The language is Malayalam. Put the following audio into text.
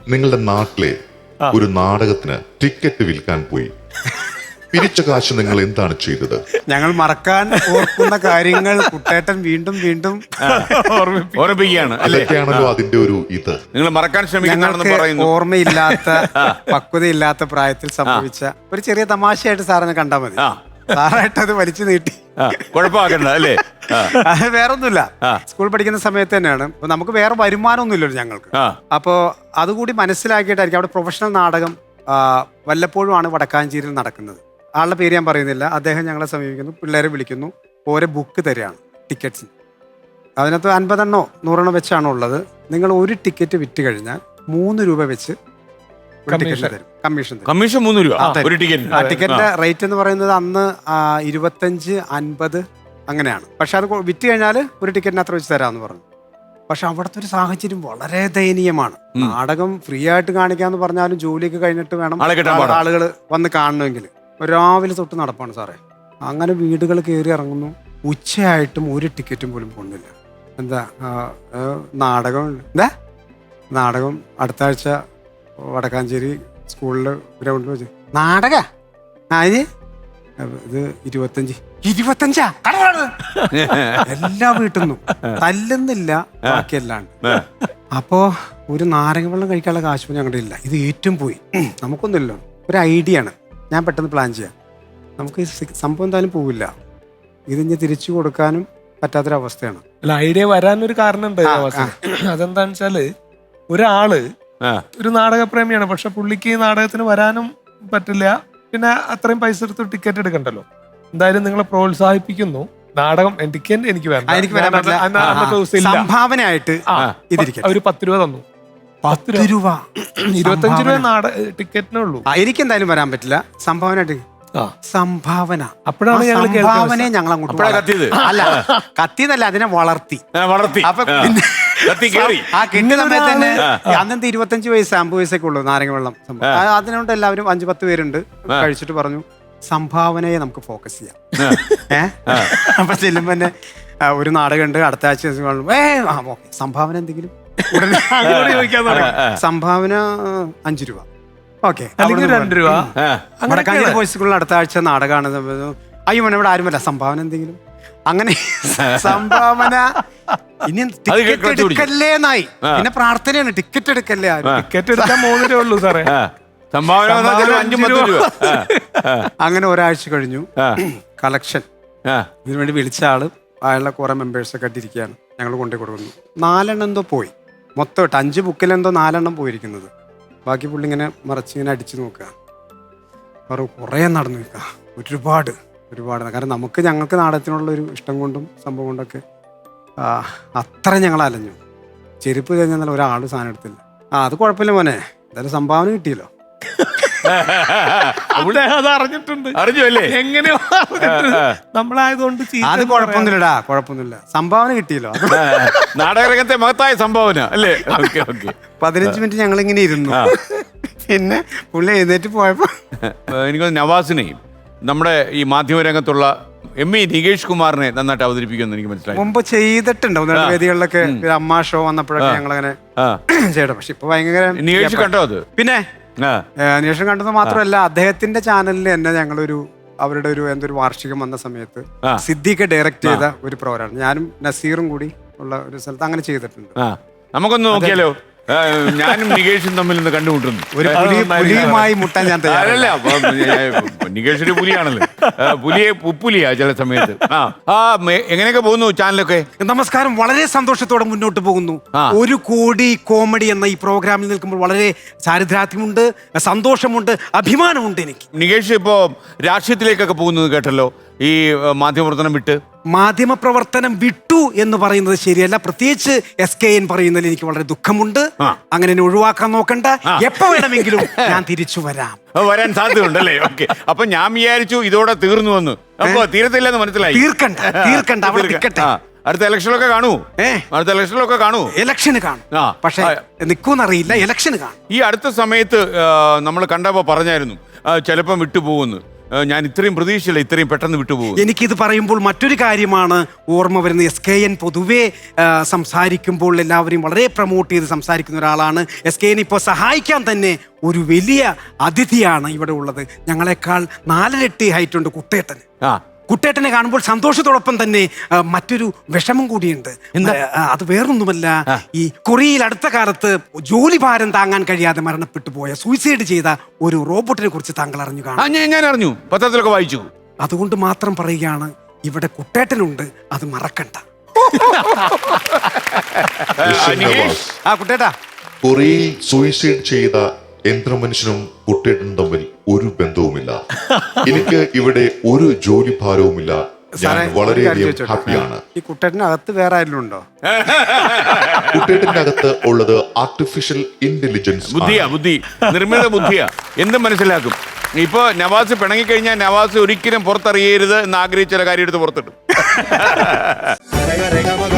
നിങ്ങളുടെ നാട്ടിലെ ഒരു നാടകത്തിന് ടിക്കറ്റ് വിൽക്കാൻ പോയി. പിരിച്ച കാശ് നിങ്ങൾ എന്താണ് ചെയ്തത്? ഞങ്ങൾ മറക്കാൻ ഓർക്കുന്ന കാര്യങ്ങൾ കുട്ടേട്ടൻ വീണ്ടും വീണ്ടും ഓർമ്മിപ്പിക്കുകയാണ്. അതൊക്കെയാണല്ലോ അതിന്റെ ഒരു ഇത്. നിങ്ങൾ മറക്കാൻ ശ്രമിക്കുന്നതാണെന്ന് ഞങ്ങൾക്ക് പറയുന്നു. ഓർമ്മയില്ലാത്ത പക്വതയില്ലാത്ത പ്രായത്തിൽ സംഭവിച്ച ഒരു ചെറിയ തമാശയായിട്ട് സാറിനെ കണ്ടാൽ മതി. സാറായിട്ട് അത് വലിച്ചു നീട്ടി കുഴപ്പമാക്കണ്ട അല്ലേ? അത് വേറൊന്നുമില്ല. സ്കൂൾ പഠിക്കുന്ന സമയത്ത് തന്നെയാണ്. അപ്പൊ നമുക്ക് വേറെ വരുമാനമൊന്നുമില്ലല്ലോ ഞങ്ങൾക്ക്. അപ്പോൾ അതുകൂടി മനസ്സിലാക്കിയിട്ടായിരിക്കും അവിടെ പ്രൊഫഷണൽ നാടകം വല്ലപ്പോഴുമാണ് വടക്കാഞ്ചേരിയിൽ നടക്കുന്നത്. ആളുടെ പേര് ഞാൻ പറയുന്നില്ല. അദ്ദേഹം ഞങ്ങളെ സമീപിക്കുന്നു, പിള്ളേരെ വിളിക്കുന്നു, ഓരോ ബുക്ക് തരികയാണ് ടിക്കറ്റ്സ്. അതിനകത്ത് 50 100 വെച്ചാണ് ഉള്ളത്. നിങ്ങൾ ഒരു ടിക്കറ്റ് വിറ്റ് കഴിഞ്ഞാൽ 3 രൂപ വെച്ച് ടിക്കറ്റ് തരും. കമ്മീഷൻ 3 രൂപ ഒരു ടിക്കറ്റ്. ടിക്കറ്റിന്റെ റേറ്റ് എന്ന് പറയുന്നത് അന്ന് 25 50 അങ്ങനെയാണ്. പക്ഷെ അത് വിറ്റ് കഴിഞ്ഞാൽ ഒരു ടിക്കറ്റിന് അത്ര വെച്ച് തരാമെന്ന് പറഞ്ഞു. പക്ഷെ അവിടുത്തെ ഒരു സാഹചര്യം വളരെ ദയനീയമാണ്. നാടകം ഫ്രീ ആയിട്ട് കാണിക്കാന്ന് പറഞ്ഞാലും ജോലിയൊക്കെ കഴിഞ്ഞിട്ട് വേണം ആളുകൾ വന്ന് കാണണമെങ്കിൽ. രാവിലെ തൊട്ട് നടപ്പാണ് സാറേ. അങ്ങനെ വീടുകൾ കയറി ഇറങ്ങുന്നു. ഉച്ചയായിട്ടും ഒരു ടിക്കറ്റും പോലും പോകുന്നില്ല. എന്താ നാടകം അടുത്ത ആഴ്ച വടക്കാഞ്ചേരി സ്കൂളില് ഗ്രൗണ്ടിൽ വെച്ച് നാടക അതിന് ഇത് 25 എല്ലാ വീട്ടിൽ നിന്നും തല്ലുന്നില്ല, ബാക്കിയല്ലാണ്ട്. അപ്പോ ഒരു നാരങ്ങ വെള്ളം കഴിക്കാനുള്ള കാശ് ഞങ്ങളുടെ ഇല്ല. ഇത് ഏറ്റവും പോയി. നമുക്കൊന്നുമില്ലല്ലോ. ഒരു ഐഡിയ ആണ്. ഞാൻ പെട്ടെന്ന് പ്ലാൻ ചെയ്യാം. നമുക്ക് ഈ സംഭവം എന്തായാലും പോവില്ല. ഇതിഞ്ഞ് തിരിച്ചു കൊടുക്കാനും പറ്റാത്തൊരവസ്ഥയാണ്. അല്ല, ഐഡിയ വരാനൊരു കാരണം ഉണ്ട്. അതെന്താന്ന് വെച്ചാല് ഒരാള് ഒരു നാടകപ്രേമിയാണ്. പക്ഷെ പുള്ളിക്ക് നാടകത്തിന് വരാനും പറ്റില്ല. പിന്നെ അത്രയും പൈസ എടുത്ത് ടിക്കറ്റ് എടുക്കണ്ടല്ലോ. എന്തായാലും നിങ്ങളെ പ്രോത്സാഹിപ്പിക്കുന്നു. നാടകം എനിക്ക് സംഭാവനയായിട്ട് ഒരു 10 രൂപ തന്നു. 10 രൂപ 25 രൂപ ടിക്കറ്റിനുള്ളൂ. എനിക്ക് എന്തായാലും വരാൻ പറ്റില്ല. സംഭാവന അപ്പോഴാണ് സംഭാവനയെ ഞങ്ങൾ അങ്ങോട്ട് അല്ല കത്തിയതല്ല, അതിനെ വളർത്തി. അപ്പൊ ആ കിട്ടിയ സമയത്ത് തന്നെ അന്നത്തെ 25 വയസ്സ് 50 വയസ്സൊക്കെ ഉള്ളൂ നാരങ്ങ വെള്ളം. അതിനോണ്ട് എല്ലാവരും 5-10 പേരുണ്ട്. കഴിച്ചിട്ട് പറഞ്ഞു സംഭാവനയെ നമുക്ക് ഫോക്കസ് ചെയ്യാം. അപ്പൊ ചെല്ലുമ്പോ തന്നെ ഒരു നാടകം ഉണ്ട് അടുത്ത ആഴ്ച. സംഭാവന എന്തെങ്കിലും സംഭാവന 5 രൂപ. ഓക്കെ, 2 രൂപ. വടക്കാഞ്ചേരി ബോയ്സ് സ്കൂളിൽ അടുത്ത ആഴ്ച നാടകമാണ്. അയ്യോ മോനെ ഇവിടെ ആരുമല്ല, സംഭാവന എന്തെങ്കിലും. അങ്ങനെ സംഭാവന ഇനി ടിക്കറ്റ് എടുക്കല്ലേന്നായി. പിന്നെ പ്രാർത്ഥനയാണ് ടിക്കറ്റ് എടുക്കല്ലേ. ടിക്കറ്റ് എടുക്കാൻ 3 രൂപ ഉള്ളൂ സാറേ. അങ്ങനെ ഒരാഴ്ച കഴിഞ്ഞു. കളക്ഷൻ ഇതിനു വേണ്ടി വിളിച്ച ആള് അയാളുടെ കുറെ മെമ്പേഴ്സൊക്കെ ആയിട്ടിരിക്കുകയാണ്. ഞങ്ങൾ കൊണ്ടു കൊടുക്കുന്നു. 4 എന്തോ പോയി. മൊത്തം 5 ബുക്കിലെന്തോ 4 പോയിരിക്കുന്നത്. ബാക്കി പുള്ളി ഇങ്ങനെ മറച്ചിങ്ങനെ അടിച്ചു നോക്കുക. കുറേ നടന്നു നിൽക്കുക. ഒരുപാട് കാരണം ഞങ്ങൾക്ക് നാടകത്തിനുള്ള ഒരു ഇഷ്ടം കൊണ്ടും സംഭവം കൊണ്ടൊക്കെ അത്ര ഞങ്ങൾ അലഞ്ഞു. ചെരുപ്പ് കഴിഞ്ഞാൽ ഒരാൾ സാധനം എടുത്തില്ല. അത് കുഴപ്പമില്ല മോനെ, എന്തായാലും സംഭാവന കിട്ടിയല്ലോ. അറിഞ്ഞല്ലേ എങ്ങനെയോ നമ്മളായതുകൊണ്ട് അത് കുഴപ്പമൊന്നുമില്ല. സംഭാവന കിട്ടിയല്ലോ. നാടകരംഗത്തെ മഹത്തായ സംഭാവന അല്ലേ? 15 മിനിറ്റ് ഞങ്ങൾ ഇങ്ങനെ ഇരുന്നു. പിന്നെ പുള്ളി എഴുന്നേറ്റ് പോയപ്പോ എനിക്ക് നവാസിനെയും നമ്മുടെ ഈ മാധ്യമരംഗത്തുള്ള ME നികേഷ് കുമാറിനെ നന്നായിട്ട് അവതരിപ്പിക്കുമെന്ന് എനിക്ക് മനസ്സിലായി. മുമ്പ് ചെയ്തിട്ടുണ്ട് വേദികളിലൊക്കെ. അമ്മ ഷോ വന്നപ്പോഴൊക്കെ ഞങ്ങൾ അങ്ങനെ ചെയ്യണം. പക്ഷെ ഇപ്പൊ ഭയങ്കര നികേഷ് കണ്ടോ അത്? പിന്നെ അന്വേഷണം കണ്ടത് മാത്രമല്ല, അദ്ദേഹത്തിന്റെ ചാനലിൽ തന്നെ ഞങ്ങളൊരു അവരുടെ എന്തൊരു വാർഷികം വന്ന സമയത്ത് സിദ്ദിഖ് ഡയറക്ട് ചെയ്ത ഒരു പ്രോഗ്രാം ഞാനും നസീറും കൂടി ഉള്ള ഒരു സ്ഥലത്ത് അങ്ങനെ ചെയ്തിട്ടുണ്ട്. നമുക്കൊന്ന് നോക്കിയാലോ? ഞാനും നികേഷും തമ്മിൽ ഒന്ന് കണ്ടുമുട്ടുന്നു. ഒരു പുലിയുമായി മുട്ടാൻ ഞാൻ തയ്യാറല്ല. നികേഷ് ഒരു പുലിയാണല്ലോ. പുലിയാ ചില സമയത്ത്. എങ്ങനെയൊക്കെ പോകുന്നു ചാനലൊക്കെ? നമസ്കാരം. വളരെ സന്തോഷത്തോടെ മുന്നോട്ട് പോകുന്നു. 1 കോടി കോമഡി എന്ന ഈ പ്രോഗ്രാമിൽ നിൽക്കുമ്പോൾ വളരെ ചാരിദ്രാത്യമുണ്ട്, സന്തോഷമുണ്ട്, അഭിമാനമുണ്ട് എനിക്ക്. നികേഷ് ഇപ്പോ രാഷ്ട്രീയത്തിലേക്കൊക്കെ പോകുന്നത് കേട്ടല്ലോ, ഈ മാധ്യമപ്രവർത്തനം വിട്ടു എന്ന് പറയുന്നത് ശരിയല്ല. പ്രത്യേകിച്ച് SKN പറയുന്നതിൽ എനിക്ക് വളരെ ദുഃഖമുണ്ട്. അങ്ങനെ ഒഴിവാക്കാൻ നോക്കണ്ട. എപ്പോ വേണമെങ്കിലും ഞാൻ തിരിച്ചു വരാൻ സാധ്യതയുണ്ടല്ലേ? ഓക്കെ, അപ്പൊ ഞാൻ വിചാരിച്ചു ഇതോടെ തീർന്നു വന്നു. അപ്പൊ തീരത്തില്ലെന്ന് മനസ്സിലായി. തീർക്കണ്ട അവിടെ നിൽക്കട്ടെ. അടുത്ത ഇലക്ഷനിലൊക്കെ കാണൂ. ഇലക്ഷന് കാണും, പക്ഷെ നിൽക്കൂന്നറിയില്ല. ഇലക്ഷന് കാണും. ഈ അടുത്ത സമയത്ത് നമ്മൾ കണ്ടപ്പോ പറഞ്ഞായിരുന്നു ചിലപ്പം വിട്ടുപോകുന്നു. ഞാൻ ഇത്രയും പ്രതീക്ഷയില്ല ഇത്രയും പെട്ടെന്ന് വിട്ടുപോകും. എനിക്കിത് പറയുമ്പോൾ മറ്റൊരു കാര്യമാണ് ഓർമ്മ വരുന്നത്. SKN പൊതുവെ സംസാരിക്കുമ്പോൾ എല്ലാവരെയും വളരെ പ്രൊമോട്ട് ചെയ്ത് സംസാരിക്കുന്ന ഒരാളാണ്. SKN ഇപ്പോൾ സഹായിക്കാൻ തന്നെ ഒരു വലിയ അതിഥിയാണ് ഇവിടെ ഉള്ളത്. ഞങ്ങളെക്കാൾ 4 ഇരട്ടി ഹൈറ്റ് ഉണ്ട് കുട്ടേട്ടന്. കുട്ടേട്ടനെ കാണുമ്പോൾ സന്തോഷത്തോടൊപ്പം തന്നെ മറ്റൊരു വിഷമം കൂടിയുണ്ട്. അത് വേറൊന്നുമല്ല, ഈ കൊറിയയിൽ അടുത്ത കാലത്ത് ജോലി ഭാരം താങ്ങാൻ കഴിയാതെ മരണപ്പെട്ടു പോയ, സൂയിസൈഡ് ചെയ്ത ഒരു റോബോട്ടിനെ കുറിച്ച് താങ്കൾ അറിഞ്ഞു കാണും. ഞാൻ അറിഞ്ഞു, പത്രത്തിലൊക്കെ വായിച്ചു. അതുകൊണ്ട് മാത്രം പറയുകയാണ്, ഇവിടെ കുട്ടേട്ടനുണ്ട്, അത് മറക്കണ്ട. കുട്ടേട്ടാ, കൊറിയയിൽ സൂയിസൈഡ് ചെയ്ത യന്ത്രമനുഷ്യനും കുട്ടേട്ടനും തമ്മിൽ ഒരു ബന്ധവുമില്ല. എനിക്ക് ഇവിടെ ഒരു ജോലി ഭാരവുമില്ല. ഞാൻ വളരെയധികം ഹാപ്പിയാണ്. ഈ കുട്ടേട്ടനകത്ത് വേറെ ആരെങ്കിലും ഉണ്ടോ? കുട്ടേട്ടന്റെ അകത്ത് ഉള്ളത് ആർട്ടിഫിഷ്യൽ ഇന്റലിജൻസ് ബുദ്ധി, നിർമ്മിത ബുദ്ധിയാ. എന്തും മനസ്സിലാക്കും. ഇപ്പൊ നവാസ് പിണങ്ങിക്കഴിഞ്ഞാൽ നവാസ് ഒരിക്കലും പുറത്തറിയരുത് എന്ന് ആഗ്രഹിച്ച കാര്യം എടുത്ത് പുറത്തിട്ടു.